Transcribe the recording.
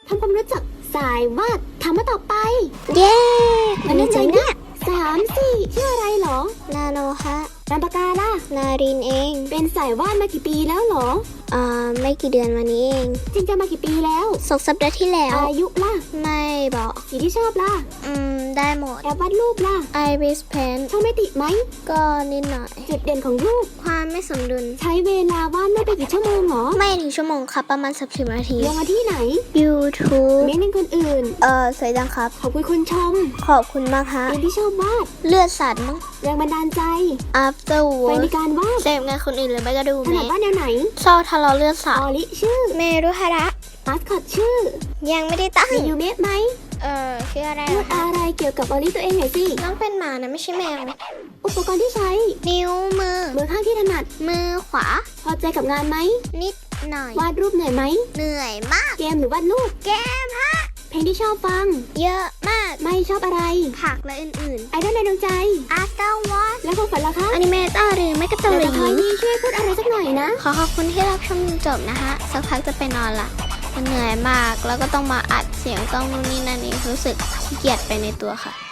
ทำความรู้จักสายวาดถามมาต่อไปเย้วันนี้ใจเนี่ย3-4ชื่ออะไรเหรอนาโนฮะนามปากกาล่ะนารินเองเป็นสายวาดมากี่ปีแล้วเหรอไม่กี่เดือนมานี้เองจริงจังมากี่ปีแล้ว 2 สัปดาห์ที่แล้วอายุล่ะไม่บอกสีที่ชอบล่ะได้หมดแอบวาดรูปล่ะ Iris Pen ชอบไม่ติไหมก็นิดหน่อยจุดเด่นของรูปความไม่สมดุลใช้เวลาวาดไม่ไปกี่ชั่วโมงเหรอไม่ถึงชั่วโมงครับ ประมาณ30 นาทีลงมาที่ไหน YouTube เม้นเป็นคนอื่นสวยจังครับขอบคุณคนชมขอบคุณมากฮะเรื่องที่ชอบวาดเลือดสัตว์มั้งแรงบันดาลใจ After ไป Work ในการวาดเสพงานคนอื่นเลยไม่ก็ดูถนัดวาดแนวไหนชอบทะเลาะเลือดสัอตอว์ลิชื่อเมรุฮาระมาสคอตชื่อยังไม่ได้ตั้งมียูเมะไหมชื่ออะไรพูดอะไรเกี่ยวกับออลิตัวเองหน่อยสิน้องเป็นหมานะไม่ใช่แมวอุปกรณ์ที่ใช้นิ้วมือมือข้างที่ถนัดมือขวาพอใจกับงานไหมนิดหน่อยวาดรูปเหนื่อยไหมเหนื่อยมากเกมหรือวาดรูปแกมฮะเพลงที่ชอบฟังเยอะมากไม่ชอบอะไรผักและอื่นไอดอลในดวงใจๆ After What และความฝันล่ะคะอนิเมเตอร์หรือไม่ก็เกาแต่หลีสุดท้ายนี้ช่วยพูดอะไรสักหน่อยนะขอขอบคุณที่รับชมจนจบนะคะ สักพักจะไปนอนละมันเหนื่อยมาก แล้วก็ต้องมาอัดเสียงต้องนู่นนี่นั่นนี่รู้สึกขี้เกียจไปในตัวค่ะ